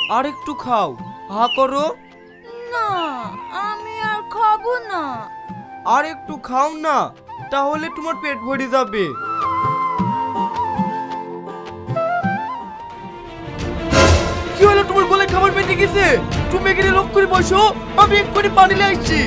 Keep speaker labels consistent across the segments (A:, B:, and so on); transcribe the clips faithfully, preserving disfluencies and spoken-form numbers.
A: আর একটু খাও, হা করো।
B: না, আমি আর খাবো না।
A: আর একটু খাও না, তাহলে তোমার পেট ভরে যাবে। কি হলো, তোমার গলায় খাবার পেটে গেছে? তুমি এখানে লোক করে বসো, আমি এক্ষুনি পানি নিয়ে আসছি।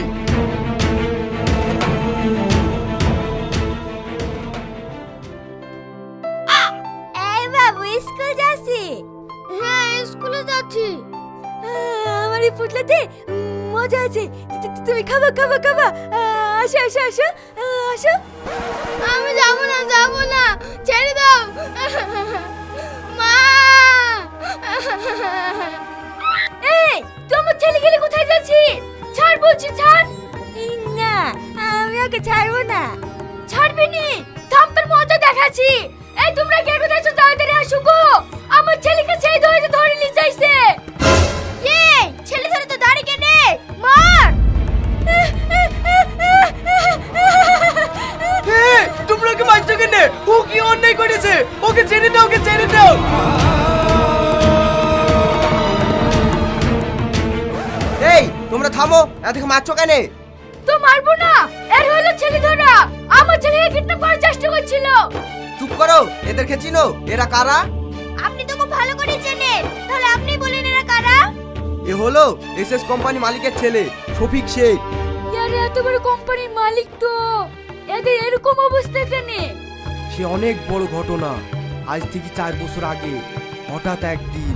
B: এই বাবু স্কুল যাচ্ছি? হ্যাঁ স্কুলে যাচ্ছি। আমার এই পুটলাতে মজা আছে, তুমি খাবা খাবা খাবা। আসো আসো আসো আসো। আমি যাবো না যাবো না, ছেড়ে দাও মা। এই তোমার ছেলে গেলে কোথায় যাচ্ছি? ছাড় বলছি, ছাড়। না, আমি ওকে ছাড়বো না। ছাড়বি নি? থাম্পের মজা দেখাচ্ছি। এই তোমরা কে কোথায় আছো, তাড়াতাড়ি আসো গো। আমার ছেলেকে সেই ধরে ধরে নিয়ে যাইছে। এই ছেলে ধরে তো দাঁড়িয়ে কেনে মার।
A: তোমরা কি মারছো কেন? ও কি অন্যায় করেছে? ওকে ছেড়ে দাও, ওকে ছেড়ে দাও।
C: এই তোমরা থামো, এদিকে মারছো কেন?
B: তো মারবো না, এর হলো ছেলে ধরা। আমার ছেলেকে কিডন্যাপ করার চেষ্টা করছিল।
C: চুপ করো, এদেরকে চিনো? এরা কারা?
B: আপনি তো খুব ভালো করে চেনেন, তাহলে আপনি বলেন এরা কারা?
C: এ হলো এসএস কোম্পানি মালিকের ছেলে শফিক শেখ।
B: ইয়ারে এত বড় কোম্পানির মালিক তো, এদের এরকম অবস্থা কেন?
C: সে অনেক বড় ঘটনা। আজ থেকে চার বছর আগে হঠাৎ একদিন।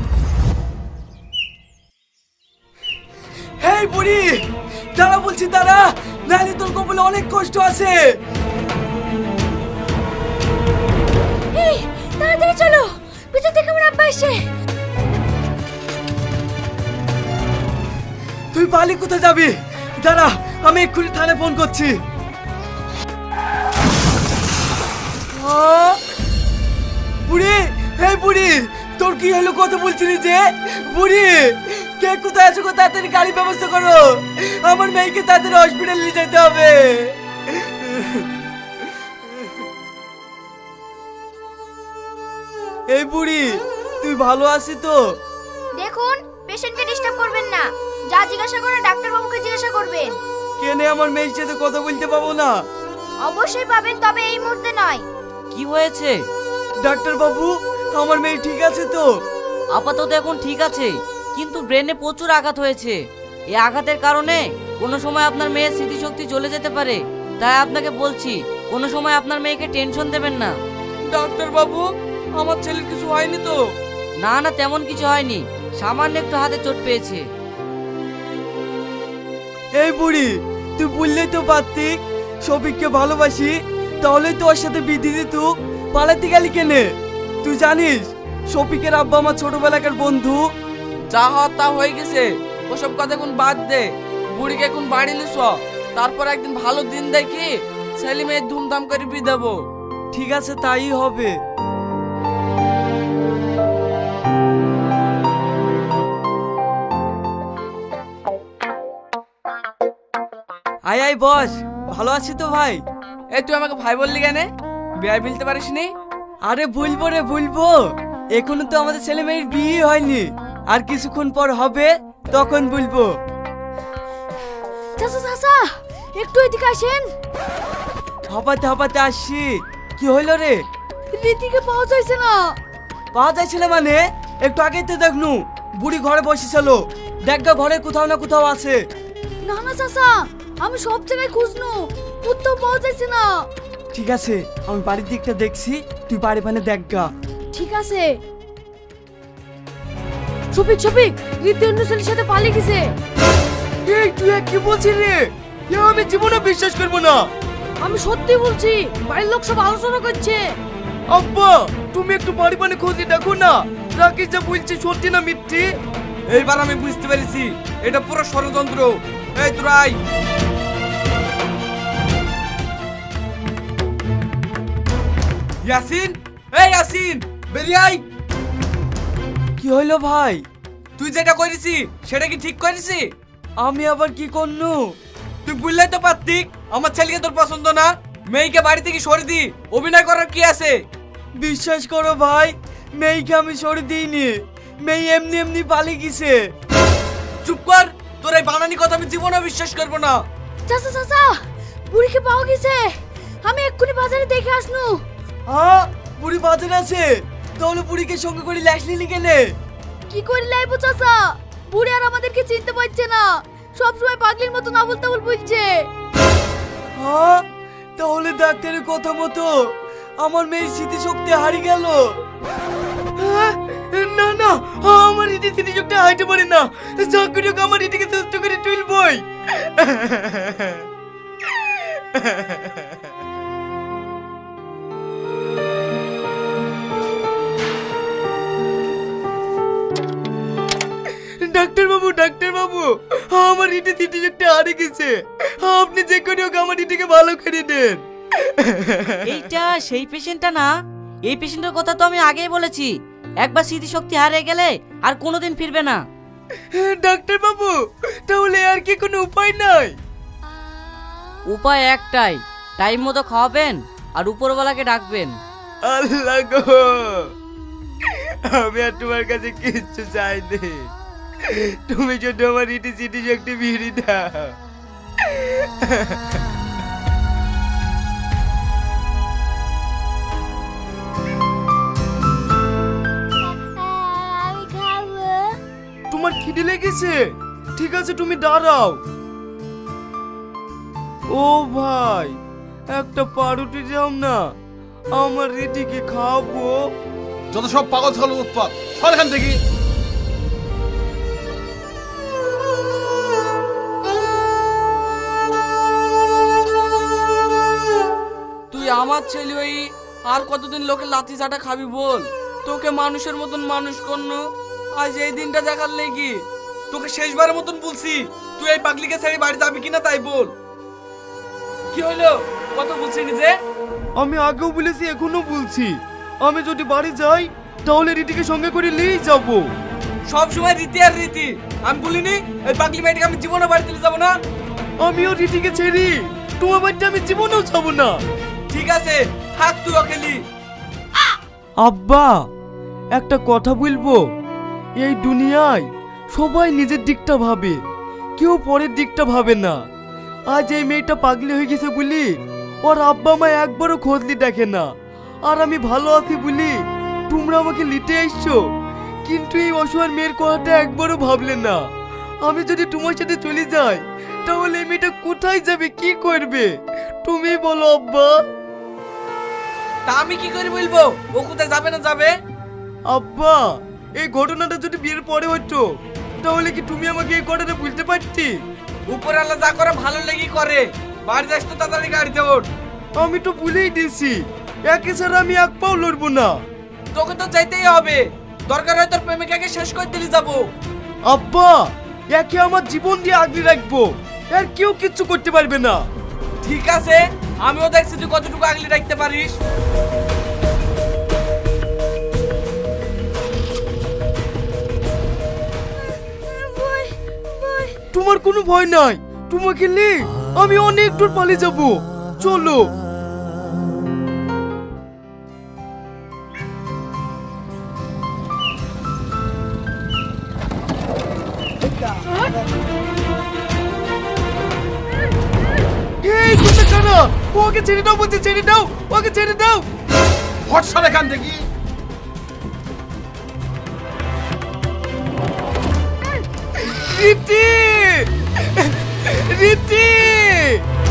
A: হেই বুড়ি, দাঁড়া বলছি, দাঁড়া, নাহলে তোর কপালে অনেক কষ্ট আছে।
B: এই তাড়াতাড়ি চলো, পিছন থেকে আমার আব্বা এসে।
A: তুই পালি কোথায় যাবি? দাঁড়া, আমি এক্ষুনি থানায় ফোন করছি। বুড়ি, হেই বুড়ি, তোর কি হলো? কথা বলছিলি যে? বুড়ি, কে কোথায় আছো? তাড়াতাড়ি গাড়ি ব্যবস্থা করো, আমার মেয়েকে তাড়াতাড়ি হসপিটাল নিয়ে যেতে হবে। এই বুড়ি, তুই ভালো আছিস তো?
B: দেখুন, পেশেন্টকে ডিস্টার্ব করবেন না। যা জিজ্ঞাসা করে ডাক্তার বাবুকে জিজ্ঞাসা করবেন।
A: কেনে আমার মেয়ের সাথে কথা বলতে পাবো না?
B: অবশ্যই পাবেন, তবে এই মুহূর্তে নয়।
D: কি হয়েছে?
A: ডাক্তার বাবু, আমার মেয়ে ঠিক আছে তো?
D: আপাতত এখন ঠিক আছে, কিন্তু ব্রেনে প্রচুর আঘাত হয়েছে। এই আঘাতের কারণে কোনো সময় আপনার মেয়ের স্মৃতিশক্তি চলে যেতে পারে। তাই আপনাকে বলছি, কোনো সময় আপনার মেয়েকে টেনশন দেবেন না।
A: ডাক্তার বাবু, আমার ছেলের কিছু হয়নি তো?
D: না না, তেমন কিছু হয়নি, সামান্য একটু হাতে চোট পেয়েছে।
A: এই বুড়ি, তুই বললেই তো পারতি শফিককে ভালোবাসি, তাহলে তো ওর সাথে বিধি দিত। পালাতে গেলি কেনে? তুই জানিস শফিকের আব্বা আমার ছোটবেলাকার বন্ধু।
E: যা হওয়ার তা হয়ে গেছে, ওসব কথা এখন বাদ দে। বুড়িকে এখন বাড়ি নিস, তারপর একদিন ভালো দিন দেখি ছেলে মেয়ে ধুমধাম করে বিয়ে দেবো।
A: ঠিক আছে, তাই হবে। আয় আয় বস, ভালো আছি তো ভাই?
E: এই তুই আমাকে ভাই বললি কেন? বিয়ে মিলতে পারিস নি?
A: আরে ভুলবো রে ভুলবো, এখনো তো আমাদের ছেলে মেয়ের বিয়ে হয়নি, আর কিছুক্ষণ পর হবে, তখন বলবো।
B: চাচা চাচা, একটু এদিকে আসেন।
A: হাঁপাতে হাঁপাতে আসছি। কি হইলো রে?
B: রীতিকে পাওয়া যাচ্ছে না।
A: পাওয়া যাচ্ছে না মানে? একটু আগেই তো দেখনু বুড়ি ঘরে বসেছিল, দেখগা ঘরে কোথাও না কোথাও আছে।
B: না না চাচা, আমি সব জায়গায় খুঁজনু, কোথাও পাওয়া যাচ্ছে না।
A: ঠিক আছে, আমি বাড়ির দিকটা দেখছি, তুই বাড়ি মানে দেখগা।
B: ঠিক আছে। শফিক শফিক, রীতি অন্য ছেলের সাথে পালিয়ে গেছে।
A: এই তুই এ কি বলছিস রে? এ আমি জীবনে বিশ্বাস করবো না।
B: আমি সত্যি বলছি, বাড়ির লোক সব আলোচনা করছে।
A: আব্বা, তুমি একটু বাড়ি মানে খোঁজে দেখো না, রাকেশ যা বলছে সত্যি না মিথ্যে।
E: এইবার আমি বুঝতে পেরেছি, এটা পুরো ষড়যন্ত্র। এই তোরাই ইয়াসিন, এই ইয়াসিন, বেরিয়ে আয়।
A: কি হইলো ভাই?
E: তুই যেটা করেছি সেটা কি ঠিক করেছি?
A: আমি আবার কি করনু?
E: তুই বুঝলেই তো পারতি আমার ছেলেকে তোর পছন্দ না, মেয়েকে বাড়ি থেকে সরে দি। অভিনয় করার কি আছে?
A: বিশ্বাস করো ভাই, মেয়েকে আমি সরে দিইনি, মেয়ে এমনি এমনি পালিয়ে গেছে।
E: চুপ কর, তোর এই বানানি কথা আমি জীবনে বিশ্বাস করবো না।
B: চাচা চাচা, বুড়িকে পাওয়া গেছে। আমি এক্ষুনি বাজারে দেখে আসনু।
A: হ্যাঁ, বুড়ি বাজারে আছে। তাহলে বুড়িকে সঙ্গে করে ল্যাস নিলি কেনে?
B: কি করে লাইবো চাচা? বুড়ি আর আমাদেরকে চিনতে পারছে না, সব সময় পাগলির মতো নাবল তাবল বলছে।
A: হ্যাঁ, তাহলে ডাক্তারের কথা মতো আমার মেয়ের স্মৃতিশক্তি হারিয়ে গেল। হ্যাঁ, না না, আমার এটি স্মৃতিশক্তি হাইতে পারে না। চাকরি আমার এটিকে সুস্থ করে তুলবই। ডাক্তার বাবু, ডাক্তার বাবু, আমার ইটি স্মৃতিশক্তি হারিয়ে গেছে। আপনি যে করে হোক আমার ইটিকে ভালো করে দেন।
D: এইটা সেই পেশেন্টটা না? এই পেশেন্টের কথা তো আমি আগেই বলেছি, একবার স্মৃতিশক্তি হারিয়ে গেলে আর কোনোদিন ফিরবে না।
A: ডাক্তার বাবু, তাহলে আর কি কোনো উপায় নাই?
D: উপায় একটাই, টাইম মতো খাওয়াবেন আর উপরওয়ালাকে ডাকবেন।
A: আল্লাহ গো, আমি আর তোমার কাছে কিচ্ছু চাইনি। তুমি যদি আমার ইটি স্মৃতিশক্তি ফিরিয়ে দাও।
B: আমি খাবো।
A: তোমার খিদে লেগেছে? ঠিক আছে, তুমি দাঁড়াও। ও ভাই, একটা পাউরুটি দাও না, আমার রিটিকে খাবো।
F: যত সব পাগল ছাগল উৎপাত, সর এখান থেকে।
E: তুই আমার ছেলে হই আর কতদিন লোকের লাথি চাটা খাবি বল? তোকে মানুষের মতন মানুষ করনো, আজ এই দিনটা দেখার লেগি। তোকে শেষবারের মতন বলছি, তুই এই পাগলিকে ছেড়ে বাড়ি যাবি কিনা তাই বল। কি হলো, কত বলছি নিজে?
A: আমি আগেও বলেছি, এখনো বলছি, আমি যদি বাড়ি যাই তাহলে রিটিকে সঙ্গে করে নিয়েই যাব।
E: সব সময় রীতি আর রীতি। আমি বলিনি এই পাগলি মেয়েটাকে আমি জীবনে বাড়ি দিতে যাবো না?
A: আমিও রিটিকে ছেড়ি তোমার বাড়িতে আমি জীবনেও যাব না।
E: ঠিক আছে, থাক তুই অকেলি।
A: আব্বা, একটা কথা বলবো, এই দুনিয়ায় সবাই নিজের দিকটা ভাবে, কেউ পরের দিকটা ভাবে না। আজ এই মেয়েটা পাগলি হয়ে গেছে বলি ওর আব্বা মা একবারও খোঁজলি দেখে না, আর আমি ভালো আছি বলি তোমরা আমাকে লিটে এসছো, কিন্তু এই অসহায় মেয়ের কথাটা একবারও ভাবলে না। আমি যদি তোমার সাথে চলে যাই তাহলে এই মেয়েটা কোথায় যাবে, কি করবে? তুমি বলো আব্বা।
E: তা আমি কি করে বলবো ও কোথায় যাবে না যাবে?
A: আব্বা, এই ঘটনাটা যদি বিয়ের পরে হতো তাহলে কি তুমি আমাকে এই কথাটা বলতে পারতি?
E: উপর আল্লাহ যা করে ভালো লেগে করে। বাড়ি যাস তো তাড়াতাড়ি গাড়িতে ওঠ।
A: আমি তো ভুলেই দিয়েছি, একে ছাড়া আমি এক পাও লড়বো না।
E: তোকে তো যাইতেই হবে, দরকার হয় তোর প্রেমিকাকে শেষ করে দিলি যাবো।
A: আব্বা, একে আমার জীবন দিয়ে আগলে রাখবো, আর কেউ কিচ্ছু করতে পারবে না।
E: ঠিক আছে, আমিও দেখছি তুই কতটুকু আগলে রাখতে পারিস।
B: বই বই
A: তোমার কোনো ভয় নাই, তোমাকে নিয়ে আমি অনেক দূর পালিয়ে যাব। চলো। এই তুমি কানা, ওকে ছেড়ে দাও বলছি, ছেড়ে দাও, ওকে ছেড়ে দাও।
F: হট, সর এখান থেকে।
A: রীতি, রীতি।